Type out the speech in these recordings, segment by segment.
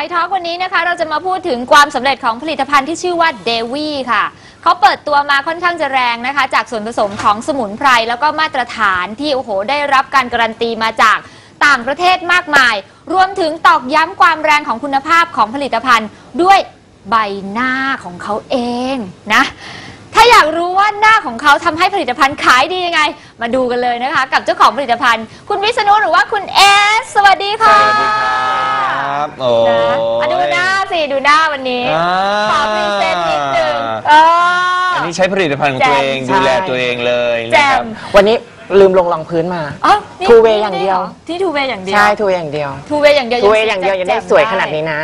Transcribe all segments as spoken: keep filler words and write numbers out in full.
ทอล์กวันนี้นะคะเราจะมาพูดถึงความสำเร็จของผลิตภัณฑ์ที่ชื่อว่าเดวี่ค่ะเขาเปิดตัวมาค่อนข้างจะแรงนะคะจากส่วนผสมของสมุนไพรแล้วก็มาตรฐานที่โอ้โหได้รับการการันตีมาจากต่างประเทศมากมายรวมถึงตอกย้ำความแรงของคุณภาพของผลิตภัณฑ์ด้วยใบหน้าของเขาเองนะถ้าอยากรู้ว่าหน้าของเขาทำให้ผลิตภัณฑ์ขายดียังไงมาดูกันเลยนะคะกับเจ้าของผลิตภัณฑ์คุณวิษณุหรือว่าคุณเอสสวัสดีค่ะสวัสดีครับโอ้นะดูหน้าสิดูหน้าวันนี้ขอพรีเซนต์นิดนึงอันนี้ใช้ผลิตภัณฑ์ของตัวเองดูแลตัวเองเลยนะครับวันนี้ลืมลงรองพื้นมาทูเวย์อย่างเดียวที่ทูเวย์อย่างเดียวใช่ทูเวย์อย่างเดียวทูเวย์อย่างเดียวทูเวย์อย่างเดียวยังได้สวยขนาดนี้นะ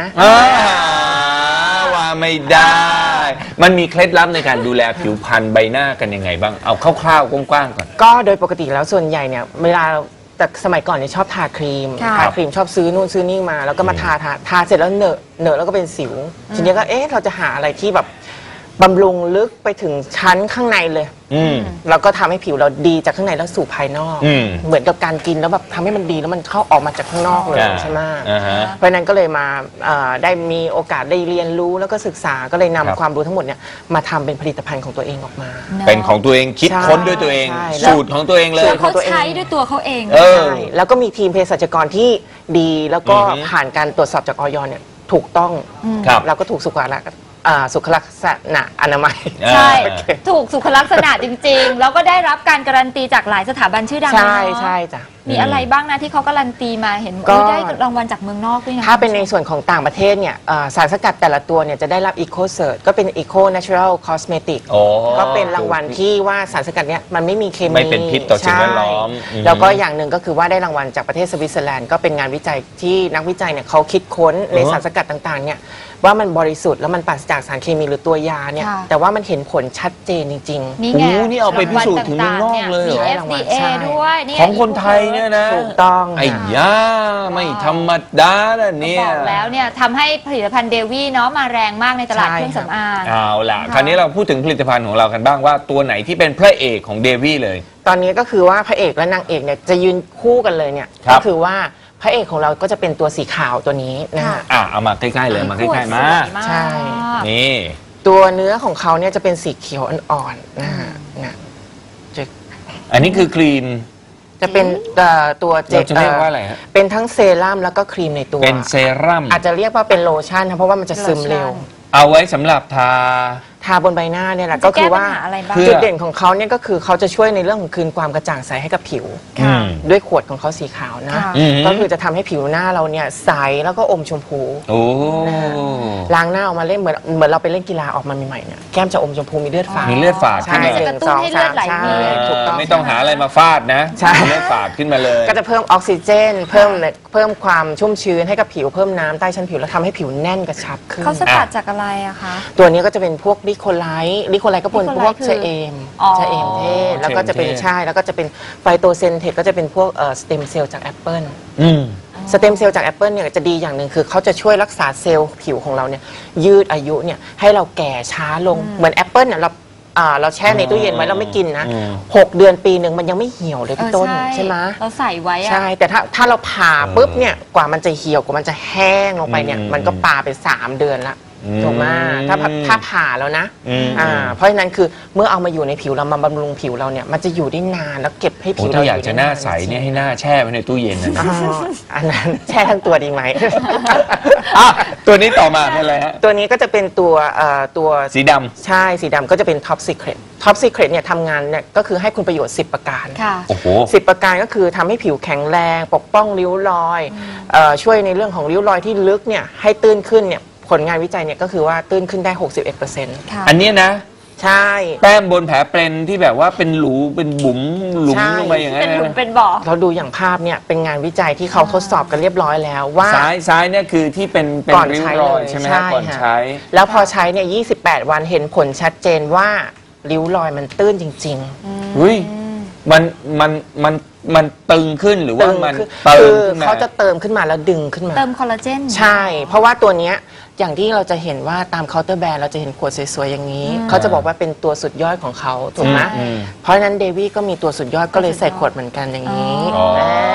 ว่าไม่ได้มันมีเคล็ดลับในการดูแลผิวพรรณใบหน้ากันยังไงบ้างเอาคร่าวๆกว้างๆก่อนก็โดยปกติแล้วส่วนใหญ่เนี่ยเวลาแต่สมัยก่อนเนี่ยชอบทาครีมทาครีมชอบซื้อนู่นซื้อนี่มาแล้วก็มาทาทาทาเสร็จแล้วเหนอะเหนอะแล้วก็เป็นสิวทีนี้ก็เอ๊ะเราจะหาอะไรที่แบบบำรุงลึกไปถึงชั้นข้างในเลยแล้วก็ทำให้ผิวเราดีจากข้างในแล้วสู่ภายนอกเหมือนกับการกินแล้วแบบทำให้มันดีแล้วมันเข้าออกมาจากข้างนอกเลยใช่ไหมเพราะนั้นก็เลยมาได้มีโอกาสได้เรียนรู้แล้วก็ศึกษาก็เลยนำความรู้ทั้งหมดเนี่ยมาทำเป็นผลิตภัณฑ์ของตัวเองออกมาเป็นของตัวเองคิดค้นด้วยตัวเองสูตรของตัวเองเลยเขาใช้ด้วยตัวเขาเองใช่แล้วก็มีทีมเภสัชกรที่ดีแล้วก็ผ่านการตรวจสอบจากอย.เนี่ยถูกต้องแล้วก็ถูกสุขลักษณะสุขลักษณะอนามัยใช่ถูกสุขลักษณะจริงๆแล้วก็ได้รับการการันตีจากหลายสถาบันชื่อดังใช่ใช่จ้ะมีอะไรบ้างนะที่เขาการันตีมาเห็นได้รางวัลจากเมืองนอกด้วยนะถ้าเป็นในส่วนของต่างประเทศเนี่ยสารสกัดแต่ละตัวเนี่ยจะได้รับ Eco Cert ก็เป็น Eco Natural Cosmetic ก็เป็นรางวัลที่ว่าสารสกัดเนี่ยมันไม่มีเคมีไม่เป็นพิษต่อสิ่งแวดล้อมแล้วก็อย่างหนึ่งก็คือว่าได้รางวัลจากประเทศสวิตเซอร์แลนด์ก็เป็นงานวิจัยที่นักวิจัยเนี่ยเขาคิดค้นในสารสกัดต่างๆเนี่ยว่ามันบริสุทธิ์แล้วมันปราศจากสารเคมีหรือตัวยาเนี่ยแต่ว่ามันเห็นผลชัดเจนจริงๆนี่ไงนี่เอาไปพิสูจน์ถึงเมืองนอกเลยเหรอเอฟ ดี เอ ด้วยของคนไทยเนี่ยนะถูกต้องไอ้ย่าไม่ธรรมดาแล้วเนี่ยบอกแล้วเนี่ยทำให้ผลิตภัณฑ์เดวี่เนาะมาแรงมากในตลาดเครื่องสำอางเอาล่ะคราวนี้เราพูดถึงผลิตภัณฑ์ของเรากันบ้างว่าตัวไหนที่เป็นพระเอกของเดวี่เลยตอนนี้ก็คือว่าพระเอกและนางเอกเนี่ยจะยืนคู่กันเลยเนี่ยก็คือว่าพระเอกของเราก็จะเป็นตัวสีขาวตัวนี้นะฮะอ่ะเอามาใกล้ๆเลยมาใกล้ๆมาใช่นี่ตัวเนื้อของเขาเนี่ยจะเป็นสีเขียวอ่อนๆนะฮะนะอันนี้คือครีมจะเป็นตัวเจลจะเรียกว่าอะไรฮะเป็นทั้งเซรั่มแล้วก็ครีมในตัวเป็นเซรั่มอาจจะเรียกว่าเป็นโลชั่นนะเพราะว่ามันจะซึมเร็วเอาไว้สำหรับทาทาบนใบหน้าเนี่ยแหละก็คือว่าจุดเด่นของเขาเนี่ยก็คือเขาจะช่วยในเรื่องของคืนความกระจ่างใสให้กับผิวด้วยขวดของเขาสีขาวนะก็คือจะทำให้ผิวหน้าเราเนี่ยใสแล้วก็อมชมพูล้างหน้าออกมาเล่นเหมือนเหมือนเราไปเล่นกีฬาออกมาใหม่ๆเนี่ยแก้มจะอมชมพูมีเลือดฝาดมีเลือดฝาดใช่จะกระตุ้นให้เลือดไหลเวียนถูกต้องไม่ต้องหาอะไรมาฟาดนะเลือดฝาดขึ้นมาเลยก็จะเพิ่มออกซิเจนเพิ่มเพิ่มความชุ่มชื้นให้กับผิวเพิ่มน้ำใต้ชั้นผิวแล้วทำให้ผิวแน่นกระชับขึ้นเขาสกัดจากอะไรอะคะตัวนี้ก็จะเป็นพวกลิโคไลท์ลิโคไลท์ก็เป็นพวกชะเอมชะเอมเทศแล้วก็จะเป็นใช่แล้วก็จะเป็นไฟโตเซนเทคก็จะเป็นพวกสเต็มเซลล์จากแอปเปิลสเต็มเซลล์จากแอปเปิลเนี่ยจะดีอย่างหนึ่งคือเขาจะช่วยรักษาเซลล์ผิวของเราเนี่ยยืดอายุเนี่ยให้เราแก่ช้าลงเหมือนแอปเปิลเนี่ยเราเราแช่ในตู้เย็นไว้เราไม่กินนะหกเดือนปีหนึ่งมันยังไม่เหี่ยวเลยพี่ต้นใช่ไหมเราใส่ไว้ใช่แต่ถ้าถ้าเราผ่าปุ๊บเนี่ยกว่ามันจะเหี่ยวกว่ามันจะแห้งลงไปเนี่ยมันก็ปาไปสามเดือนละถูกไหมถ้าถ้าผ่าแล้วนะอ่าเพราะฉะนั้นคือเมื่อเอามาอยู่ในผิวเรามาบำรุงผิวเราเนี่ยมันจะอยู่ได้นานแล้วเก็บให้ผิวเราอยากจะหน้าใสเนี่ยให้หน้าแช่ไว้ในตู้เย็นนะอันนั้นแช่ทั้งตัวดีไหมตัวนี้ต่อมาเป็นอะไรฮะตัวนี้ก็จะเป็นตัวตัวสีดำใช่สีดำก็จะเป็น Top Secret Top Secret เนี่ยทำงานเนี่ยก็คือให้คุณประโยชน์สิบประการโอ้โหสิบประการก็คือทำให้ผิวแข็งแรงปกป้องริ้วรอยช่วยในเรื่องของริ้วรอยที่ลึกเนี่ยให้ตื้นขึ้นเนี่ยผลงานวิจัยเนี่ยก็คือว่าตื้นขึ้นได้ หกสิบเอ็ดเปอร์เซ็นต์อันนี้นะใช่แต้มบนแผลเป็นที่แบบว่าเป็นหลูเป็นบุ๋มหลุมลงไปอย่างนั้นเป็นหลุมเป็นบ่อเราดูอย่างภาพเนี่ยเป็นงานวิจัยที่เขาทดสอบกันเรียบร้อยแล้วว่าซ้ายซ้ายเนี่ยคือที่เป็นเป็นริ้วรอยใช่ไหมก่อนใช้แล้วพอใช้เนี่ยยี่สิบแปดวันเห็นผลชัดเจนว่าริ้วรอยมันตื้นจริงๆอุ้ยมันมันมันมันตึงขึ้นหรือว่ามันเติมขึ้นมาเขาจะเติมขึ้นมาแล้วดึงขึ้นมาเติมคอลลาเจนใช่เพราะว่าตัวเนี้ยอย่างที่เราจะเห็นว่าตามเคาน์เตอร์แบรนด์เราจะเห็นขวดสวยๆอย่างนี้เขาจะบอกว่าเป็นตัวสุดยอดของเขาถูกไหมเพราะฉะนั้นเดวี่ก็มีตัวสุดยอดก็เลยใส่ขวดเหมือนกันอย่างนี้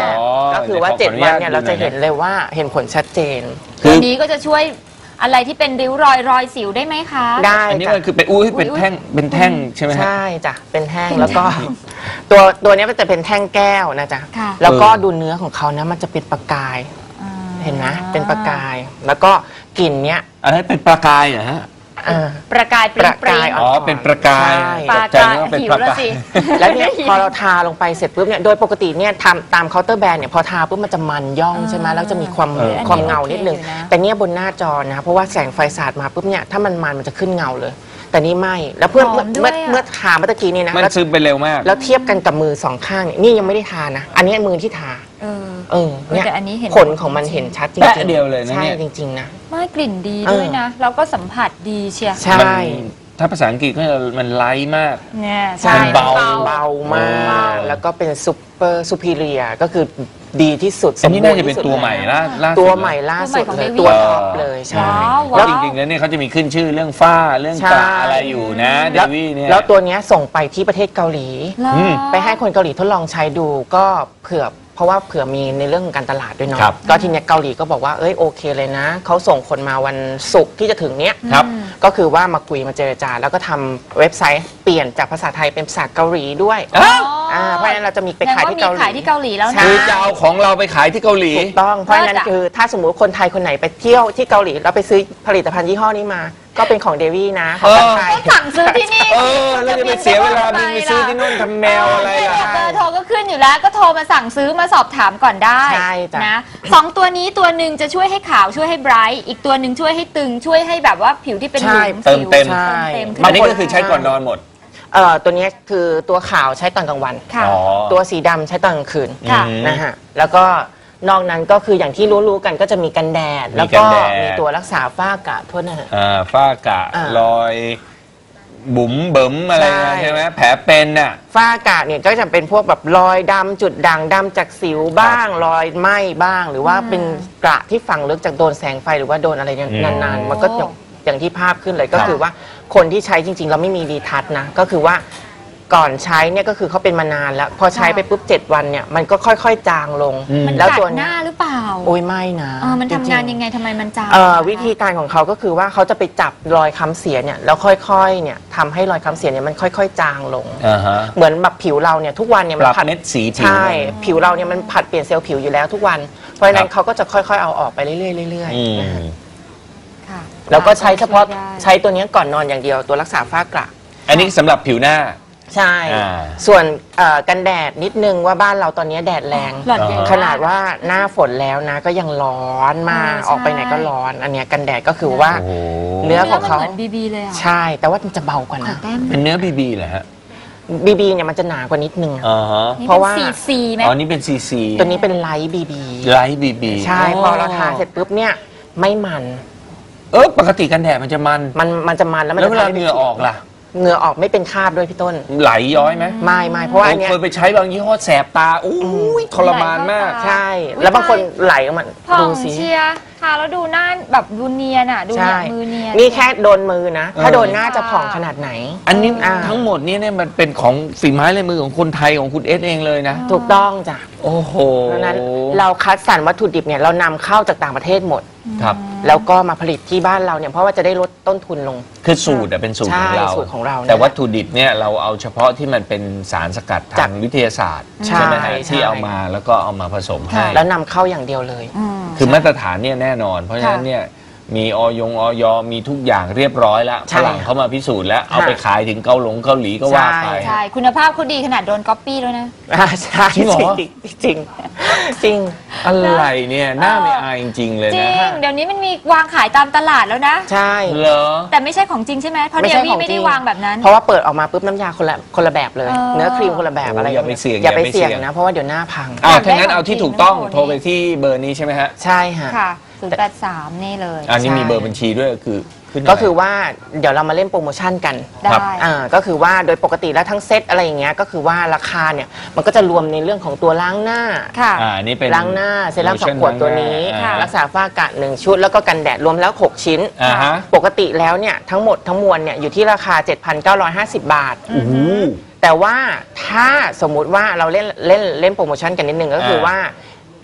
ก็คือว่าดี๋เจ็ดขออวันญาตเนี่ยเราจะเห็นเลยว่าเห็นผลชัดเจนคือตัวนี้ก็จะช่วยอะไรที่เป็นริ้วรอยรอยสิวได้ไหมคะได้อันนี้จ้ะมันคือเป็นอุ้ยเป็นแท่งเป็นแท่งใช่ไหมฮะใช่จ้ะเป็นแท่งแล้วก็ ตัวตัวเนี้ยมันจะเป็นแท่งแก้วนะจ๊ะค่ะแล้วก็เออดูเนื้อของเขานะมันจะเป็นประกายอ่าเห็นไหมเป็นประกาย แล้วก็กลิ่นเนี้ยอันนั้นเป็นปลากายเหรอฮะเออประกายปริประงปริกายงอ๋อเป็นประกายใช่ปตลากใจกายนึกว่าเป็นหิวปลาแล้วกายสิแล้วเนี่ยพอเราทาลงไปเสร็จปุ๊บเนี่ยโดยปกติเนี่ยทำตามเคาน์เตอร์แบรนด์เนี่ยพอทาปุ๊บมันจะมันย่องใช่ไหมแล้วจะมีความเออความเงานิดนึงโอเคอยู่นะแต่เนี่ยบนหน้าจอนะเพราะว่าแสงไฟสาดมาปุ๊บเนี่ยถ้ามันมันมันจะขึ้นเงาเลย แต่นี่ไม่แล้วเพื่อนหอมด้เมื่วอยอะเมื่อทาเมื่อตะกี้นี่นะมันแล้วซึมไปเร็วมากแล้วเทียบกันกับมือสองข้างเนี่ยนี่ยังไม่ได้ทานะ อันนี้มือที่ทาเออเออเนี่ยแต่อันนี้เห็นผลของมันเห็นชัดจริงแป๊ะเดียวเลยนะใช่เนี่ยจริง ๆ นะไม่กลิ่นดีด้วยนะ แล้วก็สัมผัสดีเชียร์ใช่มันถ้าภาษาอังกฤษก็จะมันไลท์มากเนี่ยใช่มันเบาเบามากเบาแล้วก็เป็นซูเปอร์ซูพิเรียก็คือดีที่สุดอันนี้สมบูน่ารณ์จะเป็นที่สุดตัวใหม่แล้ล่าล่าสุดตัวใหม่ล่าสุดตัวใหม่ของเลย Devi ตัวท็อปเลยใช่ว้าวเพราะจริงๆแล้วเนี่ยเขาจะมีขึ้นชื่อเรื่องฝ้าเรื่องกระอะไรอยู่นะเดแล้ววี่เนี่ยแล้วตัวเนี้ยส่งไปที่ประเทศเกาหลีแล้วอืมไปให้คนเกาหลีทดลองใช้ดูก็เผื่อเพราะว่าเผื่อมีในเรื่องของการตลาดด้วยเนาะครับก็ทีเนี้ยเกาหลีก็บอกว่าเอ้ยโอเคเลยนะเขาส่งคนมาวันศุกร์ที่จะถึงเนี้ยครับก็คือว่ามาคุยมาเจรจา แล้วก็ทำเว็บไซต์เปลี่ยนจากภาษาไทยเป็นภาษาเกาหลีด้วยอ้าวอ่าเพราะฉะนั้นเราจะมีไปขายที่เกาหลีขายที่เกาหลีแล้วนะใช่คือจะเอาของเราไปขายที่เกาหลีถูกต้องเพราะฉะนั้นเลิศอะคือถ้าสมมุติคนไทยคนไหนไปเที่ยวที่เกาหลีแล้วไปซื้อผลิตภัณฑ์ยี่ห้อนี้มา ก็เป็นของเดวี่นะของคนไทยก็สั่งซื้อที่นี่เออแล้วจะไปเสียเวลาบินไปซื้อที่นู่นทำแมวอะไรล่ะเบอร์โทรก็ขึ้นอยู่แล้วก็โทรมาสั่งซื้อมาสอบถามก่อนได้ใช่จ้ะนะสองตัวนี้ตัวหนึ่งจะช่วยให้ขาวช่วยให้ไบรท์อีกตัวหนึ่งช่วยให้ตึงช่วยให้แบบว่าผิวที่เป็นหลุมเติมเต็มสิวใช่เติมเต็มอันนี้ก็คือใช้ก่อนนอนหมดเอ่อตัวเนี้ยคือตัวขาวใช้ตอนกลางวันค่ะอ๋อตัวสีดำใช้ตอนกลางคืนค่ะอืมนะฮะแล้วก็นอกนั้นก็คืออย่างที่รู้ๆกันก็จะมีกันแดดมีแล้วกัก็นแดดมีตัวรักษาฝ้ากระโทษนะฮะอ่าฝ้ากระอ่ารอยบุ๋มเบิ่มอะไรใช่นะใช่ไหมแผลเป็นน่ะฝ้ากระเนี่ยก็จะเป็นพวกแบบรอยดำจุดด่างดำจากสิวบ้าง รอยไหม้บ้าง หรือว่าเป็นกระที่ฝังลึกจากโดนแสงไฟหรือว่าโดนอะไรอืมนานๆมันก็อย่างอย่างที่ภาพขึ้นเลยก็ครับคือว่าคนที่ใช้จริงๆเราไม่มีดีทัชนะก็คือว่าก่อนใช้เนี่ยก็คือเขาเป็นมานานแล้ว พอใช้ไปปุ๊บเจ็ดวันเนี่ยมันก็ค่อยๆจางลงอืมมันแล้วกัดตัวหเนี้ยน้าหรือเปล่าโอ้ยไม่นะเออมันทำงานจริๆยังไงทำไมมันจางเอ่อนะคะวิธีการของเขาก็คือว่าเขาจะไปจับรอยค้ำเสียเนี่ยแล้วค่อยๆเนี่ยทำให้รอยค้ำเสียเนี่ยมันค่อยๆ จางลงอ่าฮะเหมือนแบบผิวเราเนี่ยทุกวันเนี่ยปมันรับผัดเม็ดสีผิวใช่ลงผิวเราเนี่ยมันผัดเปลี่ยนเซลล์ผิวอยู่แล้วทุกวัน เพราะฉะนั้ครันบเขาก็จะค่อยๆเอาออกไปเรื่อยๆเรื่อยอืมๆนะฮะค่ะแล้วก็ใช้เฉพาะช่วยได้ใช้ตัวเนี้ยก่อนนอนอย่างเดียวตัวรักษาฝ้ากระอันนี้สำหรับผิวหน้าใช่อ่าส่วนเอ่อกันแดดนิดนึงว่าบ้านเราตอนนี้แดดแรงหลอดใหญ่ขนาดว่าหน้าฝนแล้วนะก็ยังร้อนมากเออใช่ออกไปไหนก็ร้อน อันเนี้ยกันแดดก็คือว่าโอ้โหเนื้อของเขามันเหมือนบีบีเลยอ่ะใช่ แต่ว่ามันจะเบากว่าขอนะแต้มเป็นเนื้อบีบีเหรอฮะบีบีเนี่ยมันจะหนากว่านิดนึงอ๋อฮะนี่เพราะว่าเป็นซีซีไหมอ๋อนี่เป็นซีซีตัวนี้เป็นไลท์บีบีไลท์บีบีใช่ พอเราทาเสร็จปุ๊บเนี่ยไม่มันเออปกติกันแดดมันจะมันมันมันจะมันแล้วมันแล้วจะเวลาทำให้เหงื่อออกล่ะเหงื่อออกไม่เป็นคราบด้วยพี่ต้นไหลย้อยไหมไม่ไม่เพราะว่าอันเนี้ยเคยไปใช้บางยี่ห้อแสบตาอู้ยทรมานมากใช่ แล้วบางคนไหลออกมาผ่อดูงสิเชียร์ทาแล้วดูหน้าแบบดูเนียนอ่ะ ดูเนี่ยใช่มือเนียนนี่แค่โดนมือนะ ถ้าเออโดนหน้าจะผ่องขนาดไหนอันนี้อ่าทั้งหมดนี้เนี่ยมันเป็นของฝีไม้ลายมือของคนไทยของคุณเอสเองเลยนะถูกต้องจ้ะโอ้โหเพราะฉะนั้นเราคัดสรรวัตถุดิบเนี่ยเรานำเข้าจากต่างประเทศหมดครับแล้วก็มาผลิตที่บ้านเราเนี่ยเพราะว่าจะได้ลดต้นทุนลงคือสูตรอะเป็นสูตรของเราใช่สูตรของเราเนี่ยแต่วัตถุดิบเนี่ยเราเอาเฉพาะที่มันเป็นสารสกัดจาทาก งวิทยาศาสตร์ใช่ไหมฮะใช่ที่เอามาแล้วก็เอามาผสมให้แล้วนำเข้าอย่างเดียวเลยอืมคือมาตรฐานเนี่ยแน่นอน เพราะฉะนั้นค่ะเนี่ยมีออยงออยมีทุกอย่างเรียบร้อยแล้วใช่ฝรั่งเขามาพิสูจน์แล้วเอาค่ะไปขายถึงเกาหลงเกาหลีก็ว่าไปใช่ใช่ คุณภาพเขาดีขนาดโดนก๊อปปี้แล้วนะอ่าใช่จริงเหรอจริงจริงจริงอะไรเนี่ยหน้าไม่อายจริงๆเลยจรินะง เดี๋ยวนี้มันมีวางขายตามตลาดแล้วนะใช่เหรอแต่ไม่ใช่ของจริงใช่ไหมเพราะไม่เดใช่วี่ของไม่จริได้งวางแบบนั้นเพราะว่าเปิดออกมาปุ๊บน้ำยาคนละคนละแบบเลยเออเนื้อครีมคนละแบบโอ้อะไรอย่าไปเสี่ยงอย่าไปอย่าไปเสี่ยงเสี่ยงนะเพราะว่าเดี๋ยวหน้าพังอ้าวอยากได้ถ้างั้นเอาที่ถูกต้องของจริงโทรไปที่เบอร์นี้ใช่ไหมฮะใช่ฮะค่ะศูนย์แปดสามนี่เลยอันนี้ใช่มีเบอร์บัญชีด้วยคือขึ้นก็คือว่าเดี๋ยวเรามาเล่นโปรโมชั่นกันได้ครับอ่าก็คือว่าโดยปกติแล้วทั้งเซตอะไรอย่างเงี้ยก็คือว่าราคาเนี่ยมันก็จะรวมในเรื่องของตัวล้างหน้าค่ะอ่านี่เป็นล้างหน้าเซรั่มสองขวดตัวนี้อ่ารักษาฝ้ากระหนึ่งชุด แล้วก็กันแดดรวมแล้วหกชิ้นอ่าฮะปกติแล้วเนี่ยทั้งหมดทั้งมวลเนี่ยอยู่ที่ราคา เจ็ดพันเก้าร้อยห้าสิบ บาทโอ้โหแต่ว่าถ้าสมมุติว่าเราเล่นเล่นเล่นโปรโมชั่นกันนิดนึงก็คืออา ว่า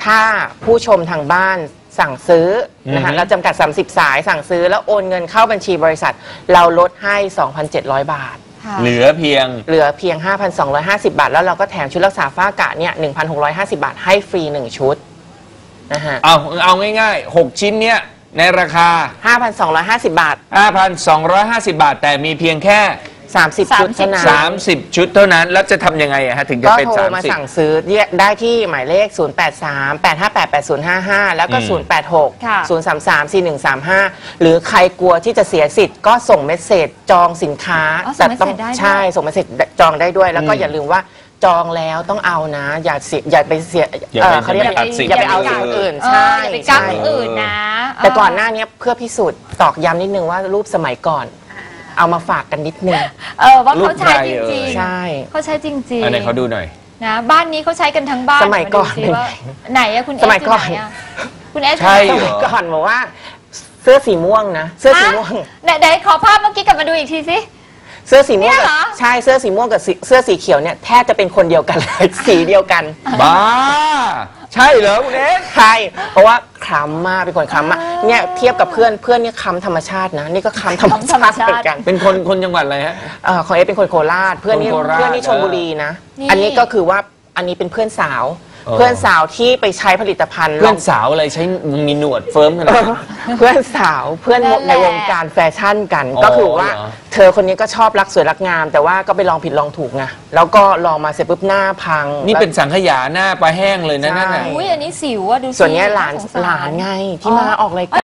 ถ้าผู้ชมทางบ้านสั่งซื้อนะคะอือฮึเราจำกัด สามสิบ สายสั่งซื้อแล้วโอนเงินเข้าบัญชีบริษัท เราลดให้ สองพันเจ็ดร้อย บาทค่ะเหลือเพียงเหลือเพียง ห้าพันสองร้อยห้าสิบ บาท แล้วเราก็แถมชุดรักษาฝ้ากระเนี่ย หนึ่งพันหกร้อยห้าสิบ บาทให้ฟรี หนึ่ง ชุดนะฮะเอาเอาง่ายๆ หก ชิ้นเนี้ยในราคาห้าพันสองร้อยห้าสิบ บาทห้าพันสองร้อยห้าสิบ บาท แต่มีเพียงแค่สามสิบ ชุดเท่านั้นสามสิบ ชุดเท่านั้น แล้วจะทำยังไงอะฮะถึงจะก็เป็นโทรมาสามสิบสั่งซื้อได้ที่หมายเลข ศูนย์ แปด สาม แปด ห้า แปด แปด ศูนย์ ห้า ห้า แล้วก็อืมศูนย์ แปด หกค่ะศูนย์ สาม สาม สี่ หนึ่ง สาม ห้า หรือใครกลัวที่จะเสียสิทธิ์ก็ส่งเมสเซจจองสินค้าอ๋อส่งเมสเสจต้องได้ด้วยใช่ส่งเมสเซจจองได้ด้วย แล้วก็อืมอย่าลืมว่าจองแล้วต้องเอานะ อย่าเสียอย่าไปเสียอย่าเอ่ไปอเขาเรียกอย่าไปตัดสินอย่าไปเอาอย่างอื่นเออใช่อย่าไปกักใช่อื่นนะแต่ก่อนหน้านี้เพื่อพิสูจน์ตอกย้ำนิดนึงว่ารูปสมัยก่อน เอามาฝากกันนิดนึงเออว่าเขาใช้รูปใครจเอ่ริงยใช่ๆเขาใช้จริงอันไหนเขาดูหน่อยๆนะบ้านนี้เขาใช้กันทั้งบ้านสมัยก่อนาดูสิว่าไหนอะคุณเอสสมัยก่อนไหะคุณเอสใช่สเหรมัยก่อนบอกว่าเสื้อสีม่วงนะเสื้อสีม่วงไหนไหนขอภาพเมื่อกี้กลับมาดูอีกทีสิเสื้อสีม่วงเนี่ยกับเหรอใช่เสื้อสีม่วงกับสีเสื้อสีเขียวเนี่ยแทบจะเป็นคนเดียวกันเลย สีเดียวกันบ้า ใช่เหรอคุณเอสใช่เพราะว่าคล้ำมากเป็นคนคล้ำมากเนี่ยเทียบกับเพื่อนเพื่อนเนี่ยคล้ำธรรมชาตินะนี่ก็คล้ำธรรมชาติเหมือนกันเป็นคนคนจังหวัดอะไรฮะเอ่อของเอเป็นคนโคราชเพื่อนนี่คนโคราชเพื่อนนี่ชลบุรีนะนี่อันนี้ก็คือว่าอันนี้เป็นเพื่อนสาวเออเพื่อนสาวที่ไปใช้ผลิตภัณฑ์เพื่อนสาวอะไรใช้มีหนวดเฟิร์มขนาดนั้นเพื่อนสาวเพื่อนนั่นแหละในวงการแฟชั่นกันอ๋อก็คือว่าเหรอเธอคนนี้ก็ชอบรักสวยรักงาม แต่ว่าก็ไปลองผิดลองถูกไงแล้วก็ลองมาเสร็จปุ๊บหน้าพังนี่เป็นแล้วสังขยาหน้าปลาแห้งเลยนะนั่นน่ะใช่อุ้ยอันนี้สิวอะดูสิส่วนเนี้ยหลานสงสรหลานไงที่มาออกรายการ